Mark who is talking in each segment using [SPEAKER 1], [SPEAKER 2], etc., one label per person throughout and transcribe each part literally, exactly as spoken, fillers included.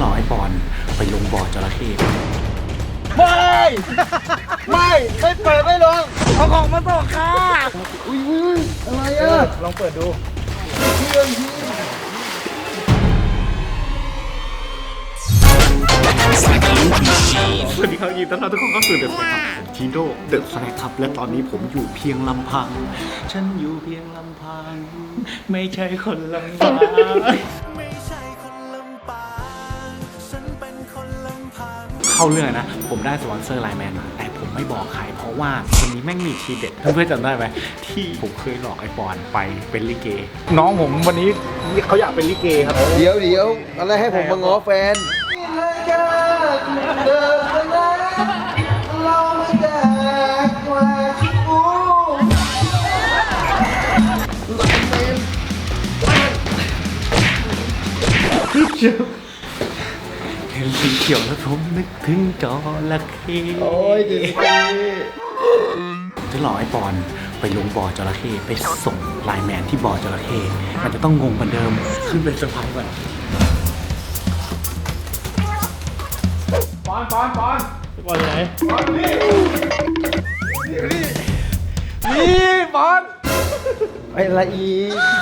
[SPEAKER 1] หลอกไอ้บอลไปลงบ่อจระเข้
[SPEAKER 2] ไม่ไม่ไม่เปิดไม่ลงเอาของมาส่งค่ะอุ้ยอุ้ยอะไรอ่ะลองเปิดดูเพื่อนพี่
[SPEAKER 1] สวัสดีครับยินดีต้อนรับทุกคนเข้าสู่เดอะสแน็คครับทีโร่เดอะสแน็คครับและตอนนี้ผมอยู่เพียงลำพังฉันอยู่เพียงลำพังไม่ใช่คนลำบากไม่ใช่คนลำบากฉันเป็นคนลำพังเข้าเรื่องนะผมได้สปอนเซอร์ไลน์แมนมาแต่ผมไม่บอกใครเพราะว่าคนนี้แม่งมีทีเด็ดเพื่อนๆจำได้ไหมที่ผมเคยหลอกไอ้ปอนไปเป็นลิเกน้องผมวันนี้เขาอยากเป็นลิเกครับ
[SPEAKER 2] เดี๋ยวเดี๋ยวอะไรให้ผมมาง้อแฟน
[SPEAKER 1] เห็นสีเขียวแล้วผมนึกถึงจระเข้
[SPEAKER 2] โอ้ยดี
[SPEAKER 1] จะหลอกไอ้ปอนไปลงบ่อจระเข้ไปส่งไลน์แมนที่บ่อจระเข้มันจะต้องงงเหมือนเดิมขึ้นเป็นเซอร์ไพรส์ก่อนปอนปอนปอนปอนไหนปอนนี่นี่นี่ปอน
[SPEAKER 2] ไอ้ละอี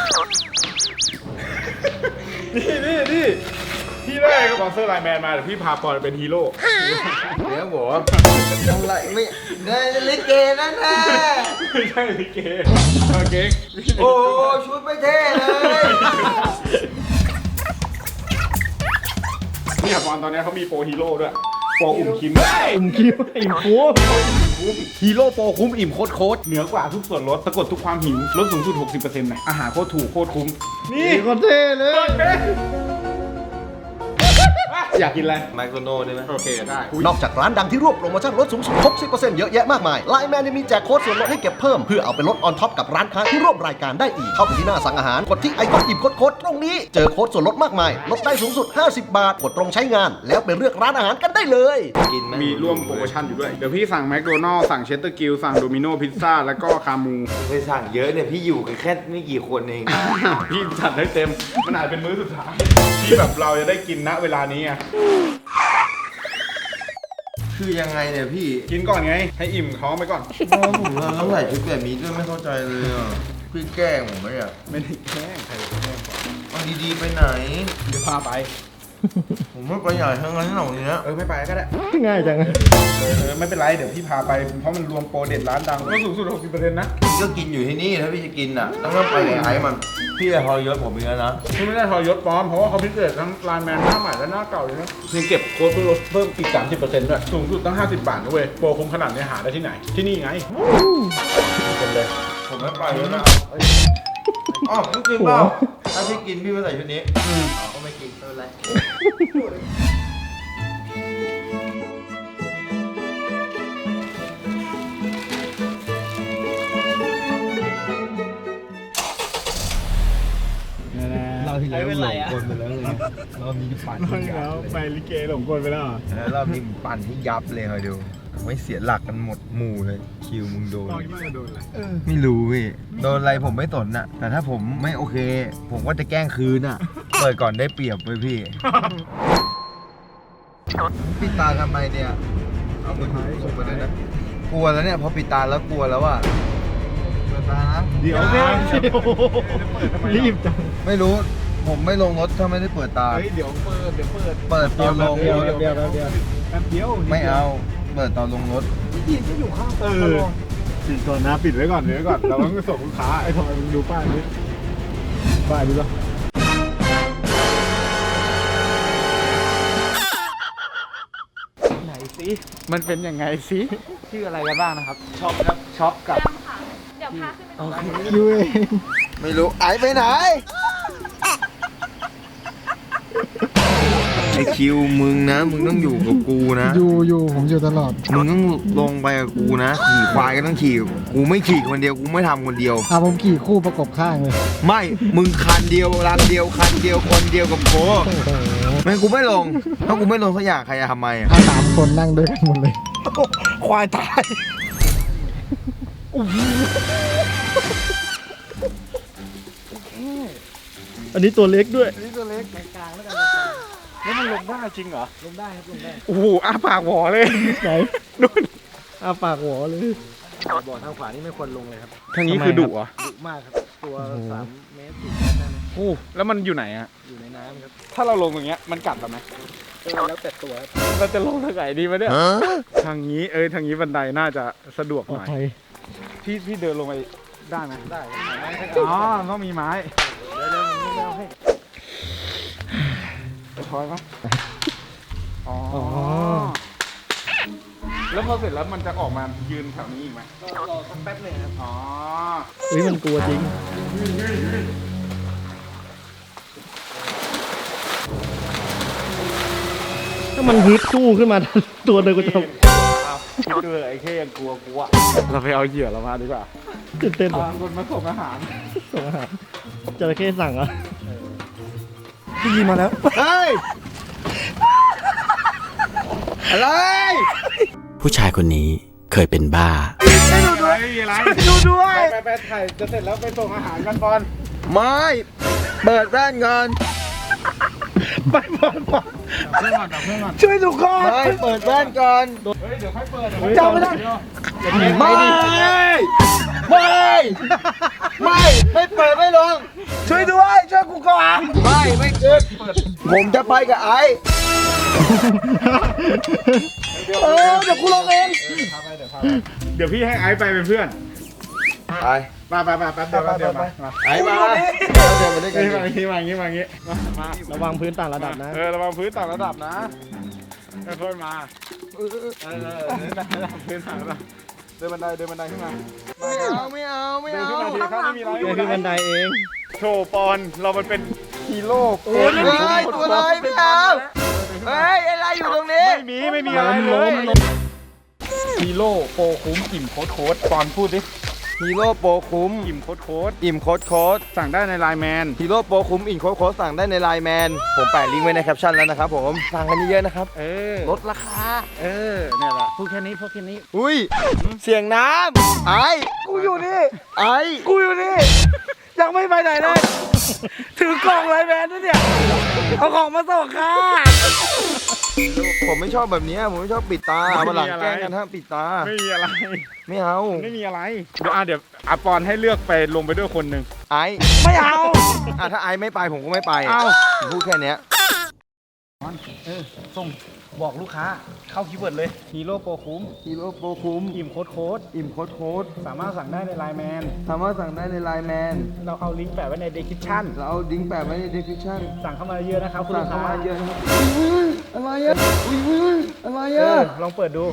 [SPEAKER 3] นี่นี่นี่พี่ได้สปอนเซอร์ไลน์แมนมาเดี๋ยวพี่พาปอนเป็นฮีโร่
[SPEAKER 2] เดี๋ยวบอกอะไรไม่ได้ลิเกนั่นแน่
[SPEAKER 3] ไม่ใช่ลิเกโอเค
[SPEAKER 2] โอ้ชุดไม่เท่เลย
[SPEAKER 3] เนี่ยปอนตอนนี้เขามีโปรฮีโร่ด้วยโปรอุ่มคิม
[SPEAKER 2] อุ่มคิมอิ่มคุ้มฮีโร่โปรคุ้มอิ่มโคตรโคตร
[SPEAKER 3] เหนือกว่าทุกส่วนลดสะกดทุกความหิวลดสูงสุด หกสิบเปอร์เซ็นต์ นะอาหารโคตรถูกโคตรคุ้ม
[SPEAKER 2] นี่โคตรเท่เลย
[SPEAKER 3] อยากกินอะไร
[SPEAKER 2] แมคโดนัลด์ได้ไหม
[SPEAKER 3] โอเคได้
[SPEAKER 4] นอกจากร้านดังที่รวบโปรโมชั่นลดสูงสุด หกสิบเปอร์เซ็นต์ เยอะแยะมากมายไลน์แมนยังมีแจกโค้ดส่วนลดให้เก็บเพิ่มเพื่อเอาไปลดออนท็อปกับร้านค้าที่ร่วมรายการได้อีกเข้าไปที่หน้าสั่งอาหารกดที่ไอคอนอิ่มโค้ดตรงนี้เจอโค้ดส่วนลดมากมายลดได้สูงสุดห้าสิบบาทกดตรงใช้งานแล้วไปเลือกร้านอาหารกันได้เลย
[SPEAKER 2] กินไหม
[SPEAKER 3] มีร่วมโปรโมชั่นอยู่ด้วยเดี๋ยวพี่สั่งแมคโดนัลด์สั่งเชสเตอร์กิลสั่งโดมิโนพิซซ่าแล้วก็คามู
[SPEAKER 2] ไปสั่งเยอะเนี่ยพี่อยู่กันแค่ไม่กี่คนเอง
[SPEAKER 3] พี่จัดได้เต็มมันอาจเป็นมื้อสุดท้ายที่แบบเราจะได้กินณเวลานี้ไง
[SPEAKER 2] คือยังไงเนี่ยพี่
[SPEAKER 3] กินก่อนไงให้อิ่มท้องไปก่อน
[SPEAKER 2] ผมว่าต้องใส่ชุดแบบนี้ด้วยไม่เข้าใจเลยอ่ะพี่แกล้งผมไหมอ่ะ
[SPEAKER 3] ไม่ได้แกล้งใครแกล้ง
[SPEAKER 2] เอาดีๆไปไหน
[SPEAKER 3] เดี๋ยวพาไป
[SPEAKER 2] ผมไม่ไปใหญ่ทั้งนั้นเหล่านี้
[SPEAKER 3] เออไม่ไปก็ได้
[SPEAKER 2] ง่ายจัง
[SPEAKER 3] เออไม่เป็นไรเดี๋ยวพี่พาไปเพราะมันรวมโปรเด็ดร้านดังก็สูงสุด หกสิบเปอร์เซ็นต์ นะ
[SPEAKER 2] พี่ก็กินอยู่ที่นี่ถ้าพี่จะกินอ่ะต้องไปไอ้มันพี่จะทรยศผมอีกแล้วนะ
[SPEAKER 3] พี่ไม่ได้ทรยศปลอมเพราะว่าเขาพิเศษทั้งไลน์แมนหน้าใหม่และหน้าเก่าเลยนะยังเก็บโค้ดเพิ่มลดเพิ่มอีก สามสิบเปอร์เซ็นต์ ด้วยสูงสุดตั้งห้าสิบบาทนะเว้ยโปรคุ้มขนาดนี้หาได้ที่ไหนที่นี่ไง
[SPEAKER 2] เป็นเลยผมไม่ไปแล้วนะอ๋อพี่กินเปล่าถ้าพี่กินพี่ไม่ใส่ชุดนี้อืมก็ไม่กินไม่เป็นไร
[SPEAKER 3] เราที่แล้วหลงกลไปแล้วเลยเรามีปั่นที่ยับไปลิเกหลงกลไปแล้ว
[SPEAKER 2] เรามีปั่นที่ยับเลยคอยดูไม่เสียหลักกันหมดหมู่เลยคิวมึงโดนไม่รู้พี่โดนอะไรผมไม่สนน่ะแต่ถ้าผมไม่โอเคผมก็จะแกล้งคืนน่ะเปิดก่อนได้เปรียบเลยพี่ปิดตาทำไมเนี่ยเอามือถือส่งไปเลยนะกลัวแล้วเนี่ยพอปิดตาแล้วกลัวแล้วอ่ะเปิดตานะ
[SPEAKER 3] เดี๋ยว
[SPEAKER 2] รีบจังไม่รู้ผมไม่ลงรถถ้าไม่ได้เปิดตา
[SPEAKER 3] เฮ้ยเดี๋ยวเปิดเดี๋ยวเปิด
[SPEAKER 2] เปิดตอนลงรถ
[SPEAKER 3] เดี๋ยวเดี๋ยวเดี๋ยวแป๊บเดียว
[SPEAKER 2] ไม่เอาเปิดตอนลงรถ
[SPEAKER 3] พี่ก็อยู่ข้างเออปิดก่อนนะปิดไว้ก่อนเดี๋ยวก่อนเราต้องส่งลูกค้าไอ้ทอยมึงดูป้ายนี้ป้ายนี้ป่ะไหนสิมันเป็นยังไงสิชื่ออะไรกันบ้างนะครับช็อปครับช็อปกับ
[SPEAKER 5] เดี๋ยวพาขึ้นไป
[SPEAKER 3] โอเคยูเอง
[SPEAKER 2] ไม่รู้ไอไปไหนไอคิวมึงนะมึงต้องอยู่กับกูนะ
[SPEAKER 6] อยู่อยู่ผมอยู่ตลอด
[SPEAKER 2] มึงต้องลงไปกับกูนะขี่ควายก็ต้องขี่กูไม่ขี่คนเดียวกูไม่ทำคนเดียว
[SPEAKER 6] อ่ะผมขี่คู่ประกบข้างเลย
[SPEAKER 2] ไม่มึงคันเดียวรันเดียวคันเดียวคนเดียวกับโก้ไม่กูไม่ลงถ้ากูไม่ลงสักอย่างใครจะทำไมอ่ะ
[SPEAKER 6] สามคนนั่งด้วยกันหมดเลย
[SPEAKER 2] ควายตาย
[SPEAKER 6] อันนี้ตัวเล็กด้วย
[SPEAKER 3] อันนี้ตัวเล็กกลางๆแล้วกันแล้วมันลงได้จริงเหรอ
[SPEAKER 6] ลงได้ครับลงได้
[SPEAKER 3] โอ้โหอ้าปากหวอเลย
[SPEAKER 6] ไหน
[SPEAKER 3] นู่น
[SPEAKER 6] อาปากหัวเลย
[SPEAKER 2] บ่อทางขวานี่ไม่ควรลงเลยครับ
[SPEAKER 3] ทางนี้คือดุเหรอ
[SPEAKER 2] ดุมากครับ ตัว
[SPEAKER 6] โอ้โห
[SPEAKER 2] สามเมตรสี่เมตรได้นะ
[SPEAKER 3] โอ้แล้วมันอยู่ไหนอะ
[SPEAKER 2] อยู่ในน้ำครับ
[SPEAKER 3] ถ้าเราลงอย่างเงี้ยมันกัดเราไหม
[SPEAKER 2] เออแล้วแต่ตัวครับ
[SPEAKER 3] เราจะลงทางไหนดีวะเนี่ยทางนี้เอ้ยทางนี้บันไดน่าจะสะดวก
[SPEAKER 6] ปล
[SPEAKER 3] ห
[SPEAKER 6] อด
[SPEAKER 3] น่อย
[SPEAKER 6] ภัย
[SPEAKER 3] พี่พี่เดินลงไปได้ไหม
[SPEAKER 2] ได้ครับไม้ให้
[SPEAKER 3] อ๋อต้องมีไม้
[SPEAKER 2] เดี๋ยวเดี๋ยวผมไม่เอาให้
[SPEAKER 3] จะถอยมั้ยอ๋อ
[SPEAKER 6] อ๋อ
[SPEAKER 3] แล้วพอเสร็จแล้วมันจะออกมายืนแถวนี้อีกไหม
[SPEAKER 2] รอรอสักแป๊บหนึงครับ
[SPEAKER 3] อ๋อ
[SPEAKER 6] เฮ้ยมันกลัวจริง ถ้ามันฮึดสู้ขึ้นมา ตัวเดินก็จะ
[SPEAKER 3] เอาดูไอ้แค่ยังกลัวกลัวเราไปเอาเหยื่อเรามาดีกว่า
[SPEAKER 6] ตื่นเต้นว่ะ
[SPEAKER 3] ตามคนมาส่งอาหาร
[SPEAKER 6] ส่งอาหารจระเข้สั่งเหรอพี่ยิงมาแล้ว
[SPEAKER 2] เฮ้ย อะไร
[SPEAKER 5] ผู้ชายคนนี้เคยเป็นบ้า
[SPEAKER 3] ไม่ดูด้วยไม่มีอะไรดูด้วยไปไปถ่ายจะเสร็จแล้วไปส่งอาหารกันบอล
[SPEAKER 2] ไม่เปิดแว่นก่อน
[SPEAKER 3] ไปบอลบอลเพื่อนก่อนเพื่อนก่อน
[SPEAKER 6] ช่วยทุกคน
[SPEAKER 2] ไม่เปิดแว่นก่อน
[SPEAKER 3] เฮ้ยเดี๋ยวค่อยเปิด
[SPEAKER 6] จำไม่ได้
[SPEAKER 2] ไม่ ไม่ ไม่ ไม่เปิดไม่ลง
[SPEAKER 6] ช่วยด้วย ช่วยกูก่อน
[SPEAKER 2] ไม่ ไม่เกิดผมจะไปกับไอ้
[SPEAKER 6] เออเดี๋ยวกูลงเอง
[SPEAKER 3] เดี๋ยวพี่ให้ไอซ์ไปเป็นเพื่อน
[SPEAKER 2] ไป
[SPEAKER 3] มาไปไปแป๊บเดียวแป๊บเดียวมามา
[SPEAKER 2] ไอ้มาเดี๋ยวมาด้วยกัน
[SPEAKER 3] นี่มาอย่างนี้มาอย่างนี้มาอย่างนี้มามา
[SPEAKER 6] ระวังพื้นต่างระดับนะ
[SPEAKER 3] เออระวังพื้นต่างระดับนะค่อยๆมาเออเออเออเดินระดับพื้นต่างระดับเดินบันไดเดินบันไดขึ้นมา
[SPEAKER 2] ไม่เอา ไม่เอา ไม่
[SPEAKER 3] เดิน
[SPEAKER 2] เอา
[SPEAKER 3] ขึ้นมาทีครับไม่มีอะไร
[SPEAKER 6] เดี๋ยวขึ้นบันไดเอง
[SPEAKER 3] โชว์ปอนเรามันเป็นฮีโร่
[SPEAKER 2] โอ้ยไม่ได้ตัวอะไรไม่เอาเฮ้ยอะไรอยู่ตรงนี้
[SPEAKER 3] ไม่มีไม่มีอะไรเลยฮีโร่โปรคุ้มอิ่มโค้ดโค้ดปอนพูดดิ
[SPEAKER 2] ฮีโร่โปรคุ้ม
[SPEAKER 3] อิ่มโค้ดโค้ด
[SPEAKER 2] อิ่มโค้ดโค้ด
[SPEAKER 3] สั่งได้ในไลน์แมน
[SPEAKER 2] ฮีโร่โปรคุ้มอิ่มโค้ดโค้ดสั่งได้ในไลน์แมน ผมแปะลิงก์ไว้ในแคปชั่นแล้วนะครับผม สั่งกันเยอะๆนะครับ
[SPEAKER 3] เออ
[SPEAKER 2] ลดราคา
[SPEAKER 3] เออเนี่ยแหละพูดแค่นี้พูดแค่นี้
[SPEAKER 2] อุ้ย เสียงน้ำไอ้
[SPEAKER 6] กูอยู่นี่
[SPEAKER 2] ไอ้
[SPEAKER 6] กูอยู่นี่ ยังไม่ไปไหนเลย ถือกล่องไลน์แมนด้วยเนี่ย เอาของมาส่งค่ะ
[SPEAKER 2] ผมไม่ชอบแบบนี้ผมไม่ชอบปิดตามาหลังแกล้งกันห้ามปิดตา
[SPEAKER 3] ไม่มีอะไร
[SPEAKER 2] ไม่เอา
[SPEAKER 3] ไม่มีอะไร เดี๋ยวอ่ะเดี๋ยวอาปอนให้เลือกไปลงไปด้วยคนหนึ่ง
[SPEAKER 2] ไอ้
[SPEAKER 6] ไม่เอา
[SPEAKER 2] อ่ะถ้าไอ้ไม่ไปผมก็ไม่ไป
[SPEAKER 3] เอ้า
[SPEAKER 2] ผมพูดแค่เนี้ย
[SPEAKER 3] ส่งบอกลูกค้าเข้าคีย์เวิร์ดเลยฮีโร่โปรคุ้ม
[SPEAKER 2] ฮีโร่โปรคุ้ม
[SPEAKER 3] อิ่มโค้ดโค้ด
[SPEAKER 2] อิ่มโค้ดโค้ด
[SPEAKER 3] สามารถสั่งได้ในไลน์แมน
[SPEAKER 2] สามารถสั่งได้ในไลน์แมน
[SPEAKER 3] เราเอาลิงก์แปะไว้ใน description
[SPEAKER 2] เราเอาลิงก์แปะไว้ใน description
[SPEAKER 3] สั่งเข้ามาเยอะนะครับคุณ
[SPEAKER 2] สั่ง
[SPEAKER 3] ลูก
[SPEAKER 2] เข้า
[SPEAKER 3] ค้า
[SPEAKER 2] มาเยอะนะครับอุ้ยอะไรอะอุ้ยอุ้ยอะไร
[SPEAKER 3] เอ
[SPEAKER 2] อะ
[SPEAKER 3] อลองเปิดดู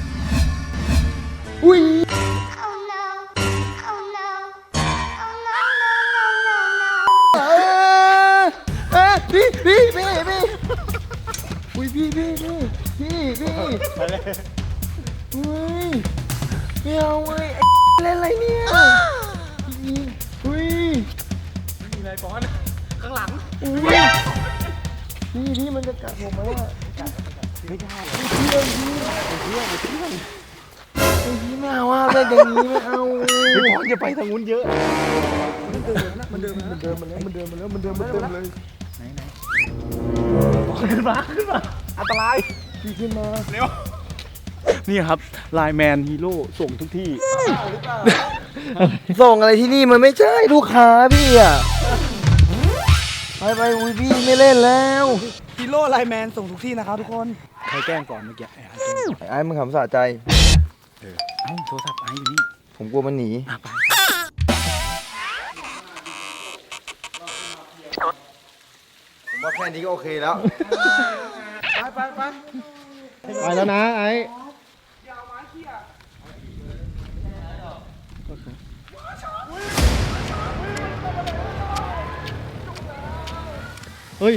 [SPEAKER 2] อุ้ย
[SPEAKER 7] Oh no. Oh no. Oh no, no, no, no, no.
[SPEAKER 2] เอ้ยเอ้ยพี่พี่พี่พี่อุ้ยพี่พี่พี่พี่พี่
[SPEAKER 3] ไปเลย
[SPEAKER 2] อุ้ยไม่เอาเว้ยไอ้เล่นอะไรเนี่ยอุ้ย
[SPEAKER 3] มีอะไรปอนข้างหลัง
[SPEAKER 2] อุ้ยพี่พี่มันจะกัดผมไหมอะไม่ได้พี่เลยพี่พี่พี่ไม่เอาอ่ะเล่นอย่างนี้ไม่เอา
[SPEAKER 3] พี่ปอนอย่าไปทางนู้นเยอะ
[SPEAKER 2] มันเดินมันเดินมาแล้วมันเดินมาแล้วมันเดินมาเต็มเลย
[SPEAKER 3] ขึ้นมาขึ้นมาอันตราย
[SPEAKER 2] พี่ขึ้นมา
[SPEAKER 3] เร็วนี่ครับไลน์แมนฮีโร่ส่งทุกที่
[SPEAKER 2] ส่งอะไรที่นี่มันไม่ใช่ลูกค้าพี่อ่ะไปไปอุ้ยพี่ไม่เล่นแล้ว
[SPEAKER 6] ฮีโร่ไลน์แมนส่งทุกที่นะครับทุกคน
[SPEAKER 3] ใครแกล้งก่อนเมื่อกี้ไอ้ไอ้แกล้ง
[SPEAKER 2] ไอ้มึงขำสะใจ
[SPEAKER 3] เอ้าโทรศัพท์ไอ้อยู่นี่
[SPEAKER 2] ผมกลัวมันหนี
[SPEAKER 3] อ่ะไป
[SPEAKER 2] ผมว่าแค่นี้ก็โอเคแล้ว
[SPEAKER 3] ไปไป
[SPEAKER 6] ไปแล้วนะไอ้เฮ้ย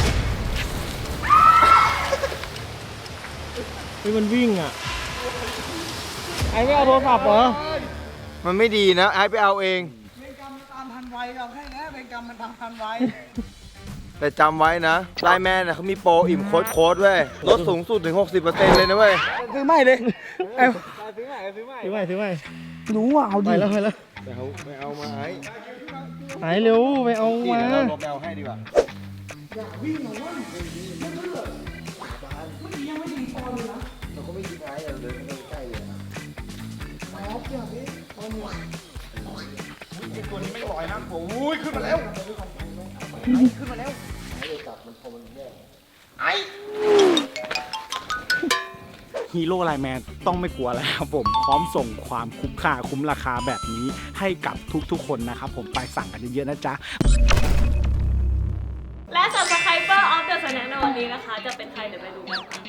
[SPEAKER 6] เฮ้ยมันวิ่งอ่ะ ไอ้ไม่เอาโทรศัพท์เหรอ
[SPEAKER 2] มันไม่ดีนะไอ้ไปเอาเอง
[SPEAKER 6] เป็นกรรมตามทันไวเราแค่นี้เป็นกรรมมันตามทันไว
[SPEAKER 2] แต่จำไว้นะไลน์แมนน่ะเขามีโปรอิ่มโค้ดโค้ดเว้ยลดสูงสุดถึง หกสิบเปอร์เซ็นต์ เลยนะเว้ย
[SPEAKER 6] ซื้อใหม่เลยเอ้าซื้อใหม่ซื้อใหม่ซื้อใหม่ซื้อใหม่รู้ว่าเอาดีไปแล้วไปแล้ว
[SPEAKER 2] ไปเอาไปเอามาไอ้
[SPEAKER 6] หายเร็วไปเอา
[SPEAKER 2] นี่
[SPEAKER 6] มา
[SPEAKER 2] เดี๋ยวเราลบไปเอาให้ดีกว่า
[SPEAKER 1] ฮีโร่ไลน์แมนต้องไม่กลัวแล้วครับผมพร้อมส่งความคุ้มค่าคุ้มราคาแบบนี้ให้กับทุกๆคนนะครับผมไปสั่งกันเยอะๆนะจ๊ะ
[SPEAKER 8] และ Subscriber of the Snack ในวันนี้นะคะ จะเป็นใครเดี๋ยวไปดูกันค่ะ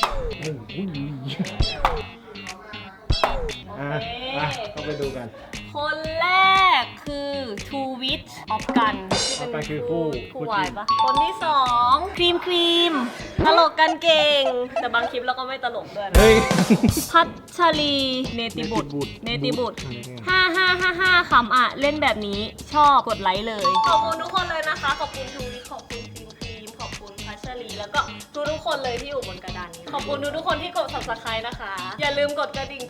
[SPEAKER 1] อ่ะอ่ะต้องไปดูกัน
[SPEAKER 8] คนแรกคือทูวิทออฟกันที่เป็น
[SPEAKER 1] ออฟกันคือคู่
[SPEAKER 8] คู่
[SPEAKER 1] คู่
[SPEAKER 8] วาย
[SPEAKER 1] จริง
[SPEAKER 8] ปะคนที่สองครีมครีมตลกกันเก่ง แต่บางคลิปเราก็ไม่ตลกด้วยนะ
[SPEAKER 1] เฮ้ย
[SPEAKER 8] พัชรีเนติบุตร เนติบุตรห้าห้าห้าห้าคำอ่ะ เล่นแบบนี้ชอบกดไลค์เลย ขอบคุณทุกคนเลยนะคะ ขอบคุณทูวิทขอบคุณครีมครีมขอบคุณพัชรีแล้วก็ทุกทุกๆคนเลยที่อยู่บนกระดานนี้ ขอบคุณทุกทุกๆคนที่กด Subscribe นะคะ อย่าลืมกดกระดิ่ง